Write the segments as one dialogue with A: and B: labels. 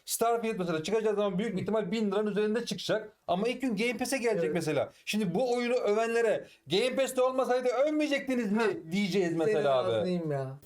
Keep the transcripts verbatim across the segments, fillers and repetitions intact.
A: Starfield mesela çıkacağı zaman büyük ihtimal bin liranın üzerinde çıkacak. Ama ilk gün Game Pass'e gelecek
B: Evet.
A: mesela. Şimdi bu oyunu övenlere Game Pass'te olmasaydı övmeyecektiniz mi diyeceğiz mesela
B: Senin
A: abi.
B: ağzınıyım ya.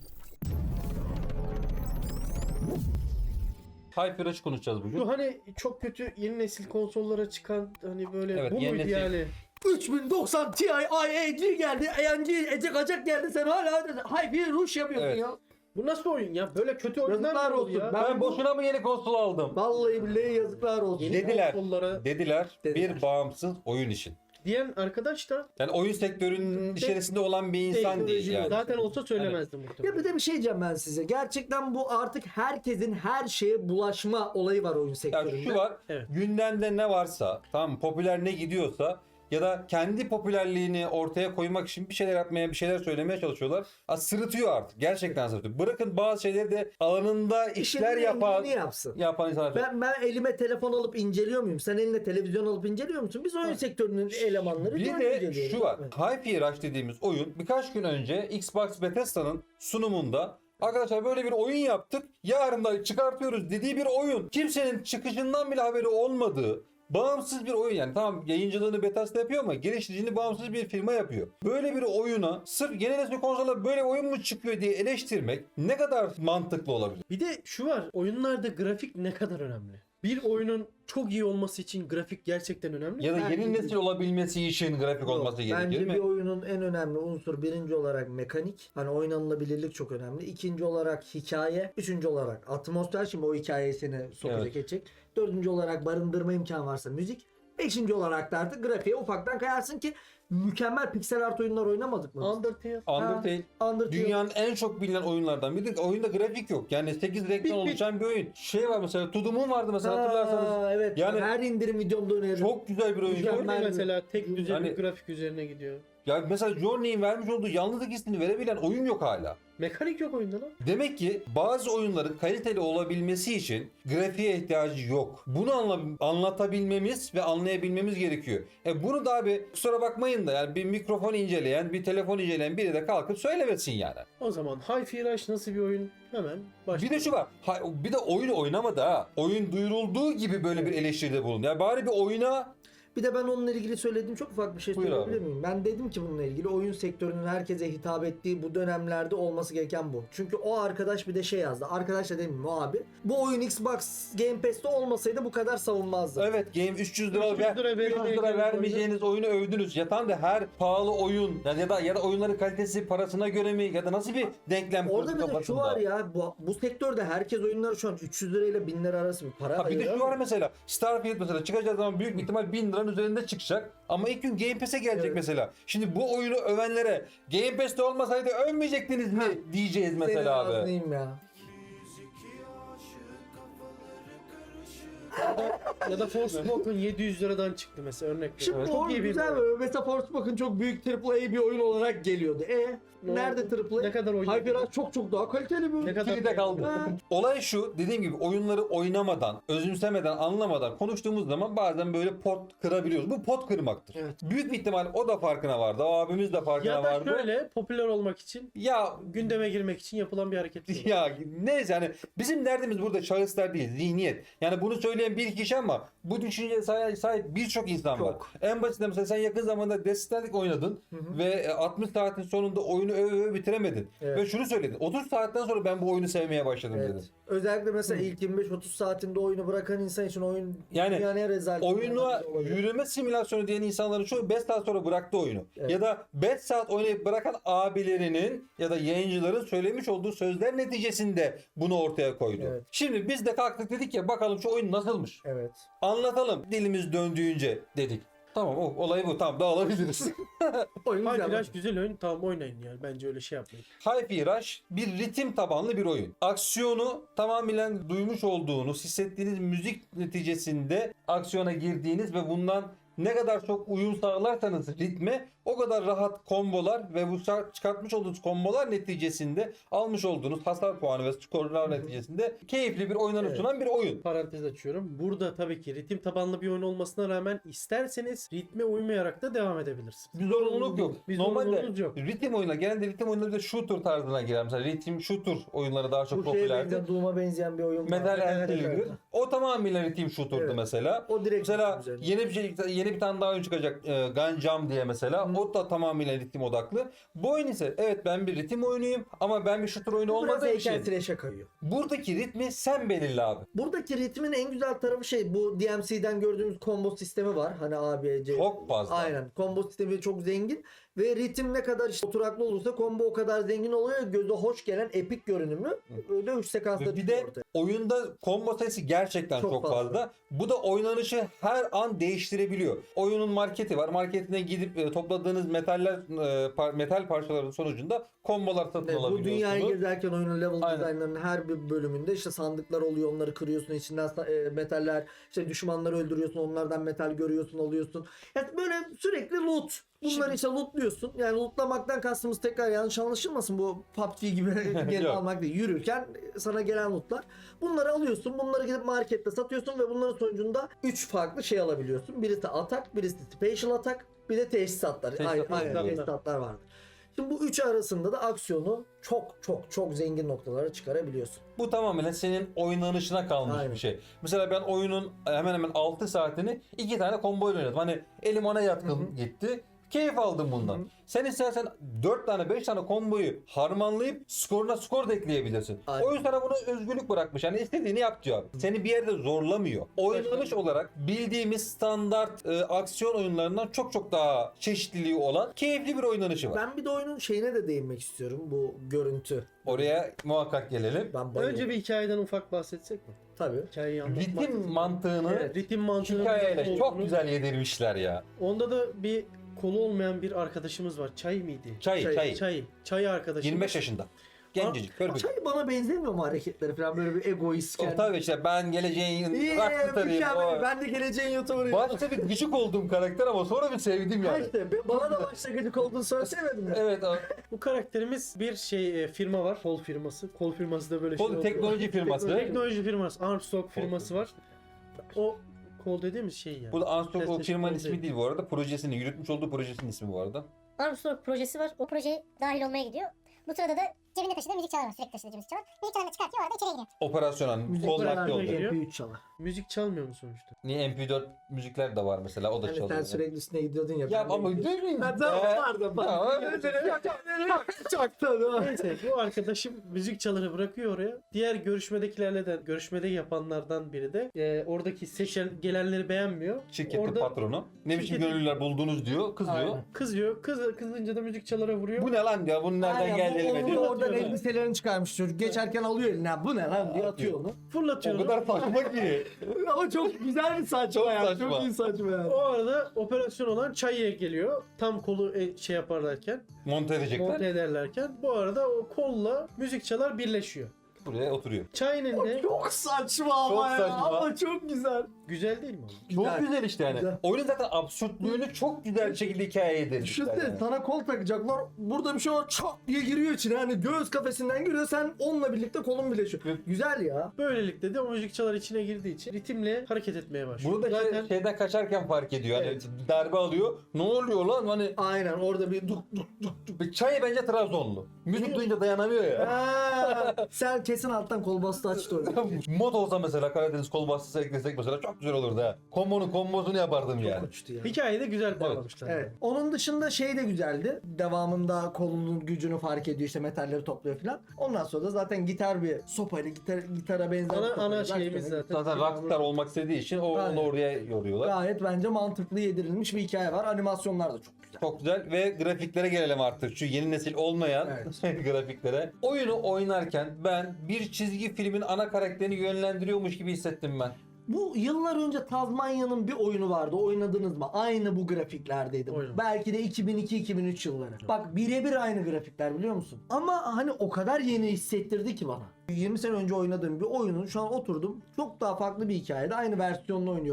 A: Hyper Rush konuşacağız bugün.
C: Bu hani çok kötü yeni nesil konsollara çıkan hani böyle
A: Evet,
C: bu
A: yeni
C: muydu
A: nesil.
C: yani?
B: üç bin doksan Ti I A G geldi. A M G Ecek Acak geldi. Sen hala Hyper Rush yapıyorsun
A: Evet.
B: ya.
C: Bu nasıl oyun ya? Böyle kötü oyunlar
B: Yazıklar
C: mı olur
B: olsun.
C: ya?
B: Ben-
A: Ben boşuna mı yeni konsol aldım?
B: Vallahi billahi yazıklar olsun.
C: Yeni
A: Dediler.
C: konsollara
A: Dediler,
B: Dediler.
A: bir bağımsız oyun için.
C: diyen arkadaş da
A: Yani oyun sektörünün içerisinde olan bir insan değil
B: teknoloji
A: yani.
C: zaten olsa söylemezdi
B: Ya
C: muhtemelen.
B: bir de bir şey diyeceğim ben size. Gerçekten bu artık herkesin her şeye bulaşma olayı var oyun
A: Ya
B: sektöründe.
A: şu var,
C: Evet.
A: gündemde ne varsa, tamam mı, popüler ne gidiyorsa ya da kendi popülerliğini ortaya koymak için bir şeyler yapmaya, bir şeyler söylemeye çalışıyorlar. Ha, sırıtıyor artık. Gerçekten sırıtıyor. Bırakın bazı şeyleri de alanında işler
B: İşinin
A: yapan
B: engini yapsın.
A: yapan insanlar.
B: Ben, ben elime telefon alıp inceliyor muyum? Sen eline televizyon alıp inceliyor musun? Biz oyun sektörünün elemanları
A: Bir
B: böyle
A: de
B: inceliyoruz.
A: şu var.
B: Evet.
A: Hyper Rush dediğimiz oyun birkaç gün önce Xbox Bethesda'nın sunumunda arkadaşlar böyle bir oyun yaptık, yarın da çıkartıyoruz dediği bir oyun. Kimsenin çıkışından bile haberi olmadığı bağımsız bir oyun yani. Tamam, yayıncılığını Bethesda yapıyor ama geliştiricini bağımsız bir firma yapıyor. Böyle bir oyuna sırf yeni nesil konsolda böyle oyun mu çıkıyor diye eleştirmek ne kadar mantıklı olabilir?
C: Bir de şu var. Oyunlarda grafik ne kadar önemli. Bir oyunun çok iyi olması için grafik gerçekten önemli.
A: Ya da
B: Bence
A: yeni
B: de.
A: nesil olabilmesi için grafik
B: Yok,
A: olması gerekir
B: bence
A: değil mi?
B: bir oyunun en önemli unsur birinci olarak mekanik. Hani oynanılabilirlik çok önemli. İkinci olarak hikaye. Üçüncü olarak atmosfer. Şimdi o hikayeyi seni sokacak
A: Evet.
B: edecek. Dördüncü olarak barındırma imkanı varsa müzik. Beşinci olarak da artık grafiğe ufaktan kayarsın ki mükemmel piksel art oyunlar oynamadık mı? biz?
C: Undertale.
A: Undertale
B: Ha, Undertale.
A: dünyanın en çok bilinen oyunlardan biri. Oyunda grafik yok. Yani sekiz renkten
C: Bir- bir-
A: oluşan bir oyun. Şey var mesela, To The Moon vardı mesela,
B: Ha,
A: hatırlarsanız.
B: evet.
A: Yani
B: her indirim videomda öneririm.
A: çok güzel bir oyun.
B: Mükemmel.
C: Journey
B: bir-
C: mesela tek düze
A: Hani-
C: bir grafik üzerine gidiyor.
A: Ya mesela Journey'in vermiş olduğu yalnızlık hissini verebilen oyun yok hala.
C: Mekanik yok oyunda lan.
A: Demek ki bazı oyunların kaliteli olabilmesi için grafiğe ihtiyacı yok. Bunu anla- anlatabilmemiz ve anlayabilmemiz gerekiyor. E bunu da abi kusura bakmayın da yani bir mikrofon inceleyen, bir telefon inceleyen biri de kalkıp söylemesin yani.
C: O zaman Hi-Fi Rush nasıl bir oyun? Hemen
A: Bir
C: başlayalım.
A: de şu var. ha- Bir de oyunu oynamadı ha. Oyun duyurulduğu gibi böyle bir eleştiride bulun. Ya bari bir oyuna.
B: Bir de ben onunla ilgili söylediğim çok ufak bir şey
A: Buyur
B: söyleyebilir
A: abi.
B: miyim? Ben dedim ki bununla ilgili oyun sektörünün herkese hitap ettiği bu dönemlerde olması gereken bu. Çünkü o arkadaş bir de şey yazdı. Arkadaş da demeyeyim o abi. Bu oyun Xbox Game Pass'te olmasaydı bu kadar savunmazdı.
A: Evet, game üç yüz lira,
C: üç yüz lira
A: ver, üç yüz lira
C: veremeyeceğiniz
A: vermeyeceğiniz oyunu övdünüz. Ya tamam da her pahalı oyun ya ya da ya da oyunların kalitesi parasına göre mi ya da nasıl bir denklem
B: Orada
A: kurdu
B: bir de şu
A: kafasında?
B: var ya bu, bu sektörde herkes oyunları şu an üç yüz lirayla bin lira arası bir para
A: Ha bir de
B: ayırıyor
A: şu var
B: ama-
A: mesela, Starfield mesela çıkacağı zaman büyük ihtimal bin liranın üzerinde çıkacak. Ama ilk gün Game Pass'e gelecek
B: Evet.
A: mesela. Şimdi bu oyunu övenlere Game Pass'te olmasaydı övmeyecektiniz mi diyeceğiz
B: Senin
A: mesela abi.
B: ağzınıyım ya.
C: Ya da Forspoken yedi yüz liradan çıktı mesela örnek
B: Şimdi
C: veriyorum.
B: çok iyi güzel
C: oyun.
B: mi? Mesela Forspoken çok büyük triple A bir oyun olarak geliyordu. E
C: Ne
B: nerede
C: oldu?
B: triple A?
C: Ne kadar oyun
B: Hyper
C: yapıyor?
B: Rush çok çok daha kaliteli bir oyun.
C: Ne kadar
A: Kilide kaldı.
B: Ha.
A: Olay şu, dediğim gibi oyunları oynamadan, özümsemeden, anlamadan konuştuğumuz zaman bazen böyle pot kırabiliyoruz. Bu pot kırmaktır.
B: Evet.
A: Büyük bir ihtimal o da farkına vardı, o abimiz de farkına
C: Ya da
A: vardı.
C: şöyle popüler olmak için,
A: Ya
C: gündeme girmek için yapılan bir hareket. bu.
A: ya neyse yani bizim derdimiz burada şahıslar değil, zihniyet. Yani bunu söyleyen bir kişi ama bu düşünceye sahip, sahip birçok insan var.
B: Çok.
A: En basitinden mesela sen yakın zamanda Death Stranding oynadın ve altmış saatin sonunda oyunu öve öve bitiremedin.
B: Evet.
A: Ve şunu söyledin. otuz saatten sonra ben bu oyunu sevmeye başladım
B: Evet.
A: dedin.
B: Özellikle mesela ilk yirmi beş otuz saatinde oyunu bırakan insan için oyun
A: Yani
B: dünyanın en rezalet
A: Oyuna
B: olabilir.
A: yürüme simülasyonu diyen insanların çoğu beş saat sonra bıraktı oyunu.
B: Evet.
A: Ya da beş saat oynayıp bırakan abilerinin ya da yayıncıların söylemiş olduğu sözler neticesinde bunu ortaya koydu.
B: Evet.
A: Şimdi biz de kalktık dedik ya bakalım şu oyun nasılmış?
B: Evet.
A: Anlatalım dilimiz döndüğünce dedik. Tamam o olay bu, tamam dağılabiliriz.
B: Oyun
C: Hi-Fi
B: güzel.
C: Rush güzel oyun, tamam oynayın yani. Bence öyle şey yapmayın.
A: Hi-Fi Rush bir ritim tabanlı bir oyun. Aksiyonu tamamen duymuş olduğunuz, hissettiğiniz müzik neticesinde aksiyona girdiğiniz ve bundan ne kadar çok uyum sağlarsanız ritme o kadar rahat kombolar ve bu çıkartmış olduğunuz kombolar neticesinde almış olduğunuz hasar puanı ve skorlar neticesinde keyifli bir oynanış
C: Evet.
A: sunan bir oyun.
C: Parantez açıyorum. Burada tabii ki ritim tabanlı bir oyun olmasına rağmen isterseniz ritme uymayarak da devam edebilirsiniz.
A: Bir zorunluluk yok.
C: Bir
A: Normalde
C: zorunluluğunuz yok.
A: ritim oyunlar, genelde ritim oyunları bir de shooter tarzına girer. Mesela ritim shooter oyunları daha çok
B: Bu şeye
A: popülerdi.
B: benzeyen, Doom'a benzeyen bir oyun var.
A: Metal
B: Evet,
A: Gear
B: evet.
A: o tamamıyla ritim shooter'dı
B: Evet.
A: mesela.
B: O direkt
A: Mesela
B: ritim üzerine.
A: yeni bir şey, yeni bir tane daha oyun çıkacak, e, Gunjam diye mesela.
B: Hı.
A: O da tamamıyla ritim odaklı. Bu oyun ise evet ben bir ritim oyunuyum ama ben bir shooter oyunu
B: Biraz
A: olmadığı için
B: heykeltıraşa kayıyor.
A: buradaki ritmi sen belirle abi.
B: Buradaki ritmin en güzel tarafı şey, bu D M C'den gördüğümüz combo sistemi var. Hani A, B, C.
A: Çok fazla.
B: Aynen. Combo sistemi çok zengin ve ritim ne kadar işte oturaklı olursa combo o kadar zengin oluyor. Göze hoş gelen epik görünümü öyle üç sekansta
A: Bir de
B: ortaya.
A: oyunda combo sayısı gerçekten çok,
B: Çok
A: fazla.
B: fazla.
A: Bu da oynanışı her an değiştirebiliyor. Oyunun marketi var. Marketine gidip e, topladığınız metaller e, par- metal parçaların sonucunda kombolar satın
B: Evet, bu
A: alabiliyorsunuz.
B: dünyayı gezerken oyunun level
A: Aynen.
B: designlarının her bir bölümünde işte sandıklar oluyor, onları kırıyorsun, içinden sa- e, metaller, işte düşmanları öldürüyorsun, onlardan metal görüyorsun, alıyorsun. Yani böyle sürekli loot. Bunları
C: Şimdi-
B: işte lootluyorsun. Yani lootlamaktan kastımız tekrar yanlış anlaşılmasın, bu P U B G gibi gelip
A: Yok.
B: almak değil. Yürürken sana gelen lootlar. Bunları alıyorsun, bunları gidip markette satıyorsun ve bunların sonucunda üç farklı şey alabiliyorsun. Birisi atak, birisi special atak, bir de teçhizatlar.
A: Teçhizatlar
B: Aynen, aynen
A: var.
B: teçhizatlar vardı. Şimdi bu üçü arasında da aksiyonu çok çok çok zengin noktalara çıkarabiliyorsun.
A: Bu tamamen senin oynanışına kalmış
B: Aynen.
A: bir şey. Mesela ben oyunun hemen hemen altı saatini iki tane combo ile oynadım. Hani elim ona yatkın gitti. Keyif aldım bundan.
B: Hı hı.
A: Sen istersen dört tane beş tane komboyu harmanlayıp skoruna skor da ekleyebilirsin.
B: Aynen.
A: Oyun sana buna özgürlük bırakmış. Yani istediğini yap diyor. Seni bir yerde zorlamıyor. Oynanış olarak bildiğimiz standart e, aksiyon oyunlarından çok çok daha çeşitliliği olan keyifli bir oynanışı var.
B: Ben bir de oyunun şeyine de değinmek istiyorum, bu görüntü.
A: Oraya muhakkak gelelim.
B: Ben bayılıyorum.
C: Önce bir hikayeden ufak bahsetsek mi?
B: Tabii.
C: Hikayeyi anlatmak.
A: Ritim mantığını
C: Evet, ritim mantığını
A: hikayeyle çok
C: olduğunu-
A: güzel yedirmişler ya.
C: Onda da bir kolu olmayan bir arkadaşımız var. Çay mıydı?
A: Çay,
B: Çay,
A: çay.
C: Çay. Çay arkadaşımız.
A: yirmi beş yaşında. Gencecik, kör bir.
B: Çay bana benzemiyor mu hareketleri falan, böyle bir egoist
A: O
B: kendi.
A: tabii işte ben geleceğin
B: İyi,
A: rockstarıyım.
B: mükemmel.
A: O.
B: Ben de geleceğin YouTuber'ıyım.
A: Başta bir gıcık olduğum karakter ama sonra bir sevdim
B: Ha
A: yani.
B: işte, bana da başta gıcık olduğunu söylemedim ya.
A: Evet o.
C: Bu karakterimiz bir şey e, firma var. Kol firması. Kol firması da böyle
A: Kol
C: şey
A: teknoloji firması.
C: Teknoloji firması. Armstrong firması var. O kol dediğimiz şey yani.
A: Bu da Armstrong o
C: PlayStation
A: firmanın
C: kol
A: ismi
C: değil.
A: değil bu arada. Projesini, yürütmüş olduğu projesinin ismi bu arada.
D: Armstrong projesi var. O projeye dahil olmaya gidiyor. Bu sırada da cebinde taşıdığı müzik çalar var. Sürekli taşıdığı müzik çalar. Müzik çalarını çıkartıyor. Orada içeri giriyor.
A: Operasyonel,
B: Müzik
A: kol
C: beraber
A: vakti oldu.
C: geliyor.
B: M P üç çalar.
C: Müzik çalmıyor mu sonuçta?
A: Niye M P dört müzikler de var mesela o da
B: Hani
A: çalıyor.
B: sen sürekli üstüne gidiyordun ya.
A: Ya
B: ben de
A: ama
B: gidiyordum.
A: değil mi?
B: Ha, tamam,
A: Ee,
B: pardon, pardon.
A: tamam.
B: Çok tabii.
C: Neyse bu arkadaşım müzik çaları bırakıyor oraya. Diğer görüşmedekilerle de görüşmede yapanlardan biri de e, oradaki seçen gelenleri beğenmiyor.
A: Şirketin
C: Orada
A: patronu. Ne biçim
C: Şirketin-
A: gönüllüler buldunuz diyor. Kızıyor.
B: Aynen.
C: kızıyor. Kız, kızınca da müzik çalara vuruyor.
A: Bu ne lan diyor. Bunun nereden
B: Aynen,
A: geldi
B: bu-
A: elime
B: onu
A: diyor.
B: oradan
C: Atıyor.
B: elbiselerini çıkarmış çocuk. Geçerken alıyor eline. "Ha, bu ne lan diye atıyor onu.
C: Fırlatıyor.
A: O
C: onu.
A: kadar saçma ki.
B: Ama çok güzel bir saçma
A: Çok
B: ya.
A: saçma.
B: Çok iyi saçma ya.
C: O arada operasyon olan Çay'a geliyor. Tam kolu e, şey yaparlarken,
A: Monte edecekler.
C: monte ederlerken. Bu arada o kolla müzik çalar birleşiyor.
A: Buraya oturuyor.
C: Çay'ın de
B: Çok saçma ama
A: Çok
B: ya.
A: saçma.
B: Ama çok güzel.
C: güzel değil mi? oğlum?
A: Çok
B: Güzel.
A: güzel işte yani.
B: Güzel.
A: Oyunun zaten absürtlüğünü çok güzel bir şekilde hikaye edilmişler.
B: Düşünsene
A: Yani.
B: sana kol takacaklar. Burada bir şey var, çat diye giriyor içine. Hani göğüs kafesinden giriyor. Sen onunla birlikte kolun birleşiyor.
A: Evet.
B: Güzel ya.
C: Böylelikle de o müzik çalar içine girdiği için ritimle hareket etmeye başlıyor.
A: Bunu da şey-
C: Zaten
A: şeyden kaçarken fark ediyor. Hani
B: Evet.
A: darbe alıyor. Ne oluyor lan? Hani
B: Aynen, orada bir duk duk duk.
A: Çay bence Trabzonlu. Müzik duyunca dayanamıyor ya.
B: Ha, sen kesin alttan kol bastı açtı orada.
A: Mod olsa mesela Karadeniz kol bastısı eklesek mesela çok güzel olurdu ha. Kombonun kombosunu yapardım
B: Çok
A: yani.
B: uçtu ya.
C: hikayeyi de güzel bağlamışlar.
B: Evet. Onun dışında şey de güzeldi. Devamında kolunun gücünü fark ediyor, işte metalleri topluyor falan. Ondan sonra da zaten gitar bir sopayla gitar gitara benzer.
C: Ana,
B: bir
C: ana
B: sopayla
C: şeyimiz
B: başlıyor.
C: zaten.
A: Zaten rockstar olmak istediği için o,
B: Aynen.
A: onu oraya yoruyorlar.
B: Gayet bence mantıklı yedirilmiş bir hikaye var. Animasyonlar da çok güzel.
A: Çok güzel ve grafiklere gelelim artık. Şu yeni nesil olmayan grafiklere. Oyunu oynarken ben bir çizgi filmin ana karakterini yönlendiriyormuş gibi hissettim ben.
B: Bu yıllar önce Tazmanya'nın bir oyunu vardı. Oynadınız mı? Aynı bu grafiklerdeydi.
C: Oynadım.
B: Belki de iki bin iki iki bin üç yılları. Bak birebir aynı grafikler, biliyor musun? Ama hani o kadar yeni hissettirdi ki bana. yirmi sene önce oynadığım bir oyunun şu an oturdum. Çok daha farklı bir hikayede aynı versiyonunu oynuyorum.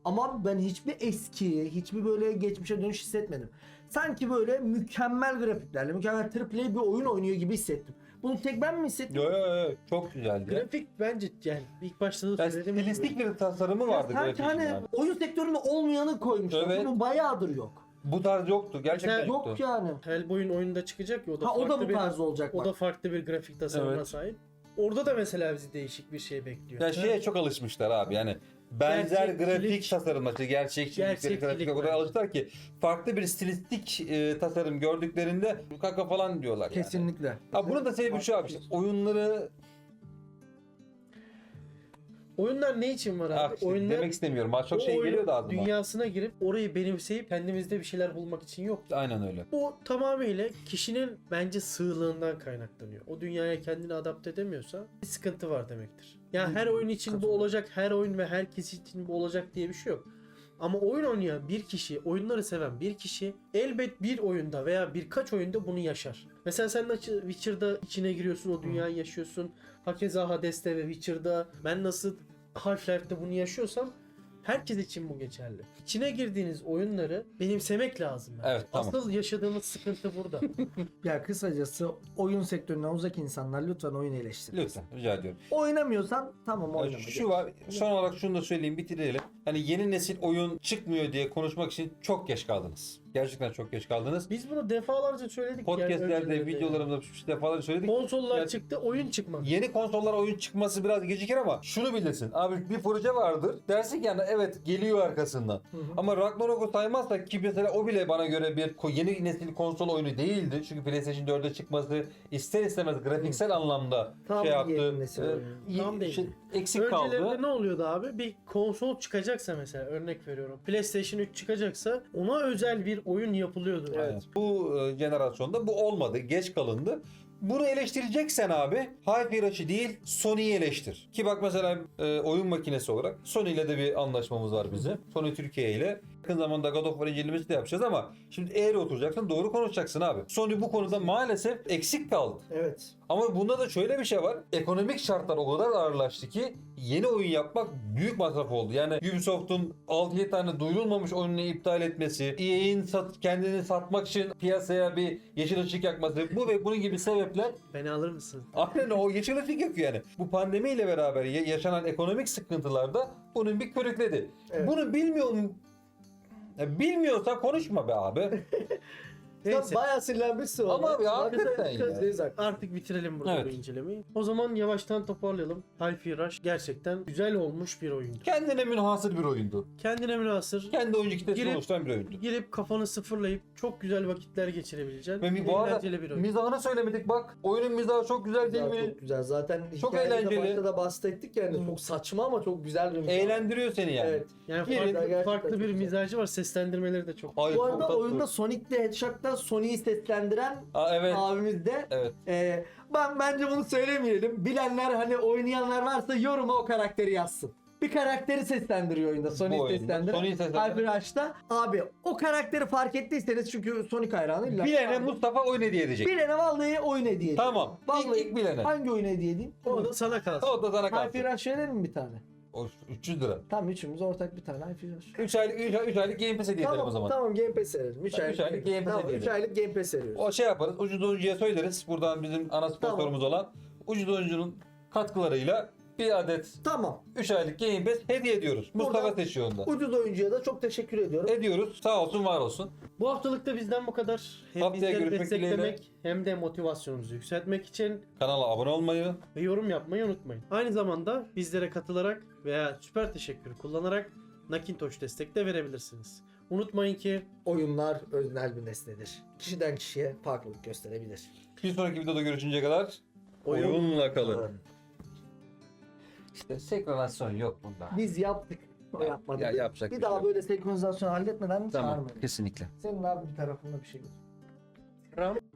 B: Ama ben hiçbir eski, hiçbir böyle geçmişe dönüş hissetmedim. Sanki böyle mükemmel grafiklerle, mükemmel triple A bir oyun oynuyor gibi hissettim. Bunu tek ben mi hissettim?
A: Yo yo yo çok güzeldi. ya.
C: Grafik bence yani ilk başta da
A: Yani
C: söylediğim gibi.
A: stilistik bir tasarımı
B: Ya
A: vardı
B: sanki
A: grafiğin
B: hani
A: yani.
B: oyun sektöründe olmayanı koymuşlar.
A: Evet.
B: Bu bayağıdır yok.
A: Bu tarz yoktu. Gerçekten
C: Mesela
A: yoktu.
B: Yok yani.
C: Hellboy'un oyunda çıkacak ya o da
B: Ha o da
C: farklı
B: bu
C: bir
B: tarz olacak
C: o
B: bak.
C: da farklı bir grafik tasarımına
A: Evet.
C: sahip. Orada da mesela bizi değişik bir şey bekliyor.
A: Ya şeye çok alışmışlar abi yani benzer
C: Gerçekçilik-
A: grafik tasarımları, gerçekçilik,
C: Gerçekçilik
A: grafik o kadar
C: bence.
A: alıştılar ki farklı bir stilistik e, tasarım gördüklerinde kaka falan diyorlar yani.
B: Kesinlikle.
A: Ha bunun da sebebi şu abi işte oyunları
C: Oyunlar ne için var abi?
A: ah, işte
C: Oyunlar
A: demek istemiyorum. Ha, çok
C: o
A: şey
C: oyunun
A: geliyor da ağzıma.
C: dünyasına girip orayı benimseyip kendimizde bir şeyler bulmak için yok.
A: Aynen öyle.
C: Bu tamamıyla kişinin bence sığlığından kaynaklanıyor. O dünyaya kendini adapte edemiyorsa bir sıkıntı var demektir. Yani her oyun için bu
B: Katılıyorum.
C: olacak, her oyun ve herkes için bu olacak diye bir şey yok. Ama oyun oynayan bir kişi, oyunları seven bir kişi elbet bir oyunda veya birkaç oyunda bunu yaşar. Mesela sen de Witcher'da içine giriyorsun, o dünyayı yaşıyorsun. Hakeza Hades'te ve Witcher'da ben nasıl Half-Life'de bunu yaşıyorsam herkes için bu geçerli. İçine girdiğiniz oyunları benimsemek lazım. bence.
A: Evet, tamam.
C: Asıl yaşadığımız sıkıntı burada.
B: Ya kısacası oyun sektöründen uzak insanlar lütfen oyun eleştirin.
A: Lütfen rica ediyorum.
B: Oynamıyorsan tamam
A: Ya
B: oynama.
A: Şu var, son olarak şunu da söyleyeyim, bitirelim. Hani yeni nesil oyun çıkmıyor diye konuşmak için çok geç kaldınız. Gerçekten çok geç kaldınız.
C: Biz bunu defalarca söyledik.
A: Podcastlerde,
C: yani önceden de.
A: videolarımızda defalarca söyledik.
C: Konsollar
A: Yani-
C: çıktı, oyun çıkmadı.
A: Yeni konsollar oyun çıkması biraz gecikir ama şunu bilirsin. Abi bir proje vardır. Dersin ki yani evet geliyor arkasından.
B: Hı hı.
A: Ama Ragnarok'u saymazsak ki mesela o bile bana göre bir ko- yeni nesil konsol oyunu değildi. Çünkü PlayStation dörde çıkması ister istemez grafiksel anlamda
B: Tam
A: şey yaptı.
B: yeni nesil
A: Ee,
B: oyunu.
A: iyi-
C: Tam değil.
A: şey, eksik
C: Öncelerinde
A: kaldı.
C: ne oluyordu abi? Bir konsol çıkacaksa mesela örnek veriyorum. PlayStation üç çıkacaksa ona özel bir oyun yapılıyordu.
A: Evet. Bu e, jenerasyonda bu olmadı. Geç kalındı. Bunu eleştireceksen abi Hi-Fi Rush'ı değil Sony'yi eleştir. Ki bak mesela e, oyun makinesi olarak Sony ile de bir anlaşmamız var bizim. Sony Türkiye ile. Yakın zamanda God of War incelemesi de yapacağız ama şimdi eğri oturacaksın doğru konuşacaksın abi. Sony bu konuda maalesef eksik kaldı.
B: Evet.
A: Ama bunda da şöyle bir şey var. Ekonomik şartlar o kadar ağırlaştı ki yeni oyun yapmak büyük masraf oldu. Yani Ubisoft'un altı yedi tane duyurulmamış oyununu iptal etmesi, E A'in sat, kendini satmak için piyasaya bir yeşil ışık yakması, bu ve bunun gibi sebepler
C: Beni alır mısın?
A: aynen o yeşil ışık yakıyor yani. Bu pandemiyle beraber ya- yaşanan ekonomik sıkıntılarda bunun bir körükledi.
B: Evet.
A: Bunu bilmiyor mu? Ya bilmiyorsan konuşma be abi.
B: Sen
C: Neyse.
B: bayağı sinirlenmişsin
A: Ama
B: ona.
A: abi
B: Bak,
A: hakikaten
B: sen-
A: ya.
B: Yüzdeyiz haklı.
C: Artık bitirelim burada
A: Evet.
C: bu incelemeyi. O zaman yavaştan toparlayalım. Hi-Fi Rush gerçekten güzel olmuş bir oyundu.
A: Kendine münhasır bir oyundu.
C: Kendine münhasır.
A: Kendi oyuncu kitlesini
C: Girip-
A: oluşturan bir oyundu.
C: Girip kafanı sıfırlayıp çok güzel vakitler geçirebileceğin
A: Ve bu arada
C: eğlenceli bir oyun.
A: mizahını söylemedik bak. Oyunun mizahı çok güzel değil
B: Güzel,
A: mi?
B: çok güzel. Zaten
A: Çok
B: hikayede de
A: eğlenceli.
B: başta da bahsettik yani. Çok saçma ama çok güzel bir mizah.
A: Eğlendiriyor seni yani.
B: Evet.
C: Yani
A: Girin,
C: farklı,
B: gerçekten
C: farklı
B: çok
C: bir
B: güzel.
C: mizacı var. Seslendirmeleri de çok.
A: Ay,
B: Bu
A: çok
B: arada
A: tatlı.
B: oyunda Sonic'te Hedgehog'da Sonic'i seslendiren
A: Aa, evet.
B: abimiz de
A: Evet.
B: e, ben bence bunu söylemeyelim. Bilenler hani oynayanlar varsa yoruma o karakteri yazsın. Bir karakteri seslendiriyor oyunda.
A: Bu
B: Sonic
A: oyunda.
B: seslendiren.
A: Sony'yi seslendiren.
B: Hyper Rush'ta. Abi o karakteri fark ettiyseniz çünkü Sonic hayranı illa.
A: Bilene Mustafa oyun hediye edecek.
B: Bilene vallahi oyun hediye edeyim.
A: Tamam.
B: Vallahi
A: İlk, ilk bilene.
B: hangi oyun hediye edeyim?
C: O da sana kalsın.
A: O da sana kalsın.
B: Hyper Rush verelim mi bir tane?
A: O üç yüz lira.
B: Tamam üçümüz ortak bir tane Hyper Rush.
A: üç aylık üç aylık Game Pass hediye edelim
B: Tamam
A: o zaman.
B: tamam Game Pass verelim. üç
A: Tamam,
B: aylık,
A: üç aylık Game Pass
B: tamam,
A: hediye
B: üç
A: edelim.
B: aylık Game Pass veriyoruz.
A: O şey yaparız. Ucuz oyuncuya söyleriz. Buradan bizim ana sponsorumuz olan Ucuz oyuncunun katkılarıyla bir adet
B: Tamam.
A: üç aylık Game Pass hediye ediyoruz. Mustafa
B: Buradan-
A: seçiyor onda.
B: Ucuz oyuncuya da çok teşekkür ediyorum.
A: Ediyoruz. Sağ olsun var olsun.
C: Bu haftalık da bizden bu kadar. Hem
A: Haftaya
C: bizleri
A: görüşmek
C: desteklemek hem de motivasyonumuzu yükseltmek için
A: Kanala abone olmayı,
C: ve yorum yapmayı unutmayın. Aynı zamanda bizlere katılarak veya süper teşekkür kullanarak Nakintosh destek de verebilirsiniz. Unutmayın ki
B: Oyunlar öznel bir nesnedir. Kişiden kişiye farklılık gösterebilir.
A: bir sonraki videoda görüşünceye kadar
C: Oyun-
A: oyunla kalın. İşte senkronizasyon yok bunda.
B: Biz yaptık. O
A: Ya-
B: yapmadı.
A: ya yapacak
B: bir
A: bir
B: daha
A: şey yok.
B: böyle senkronizasyon halletmeden
A: Tamam,
B: çağırmayın.
A: kesinlikle.
B: Senin abi bir tarafında bir şey yok.
C: Ram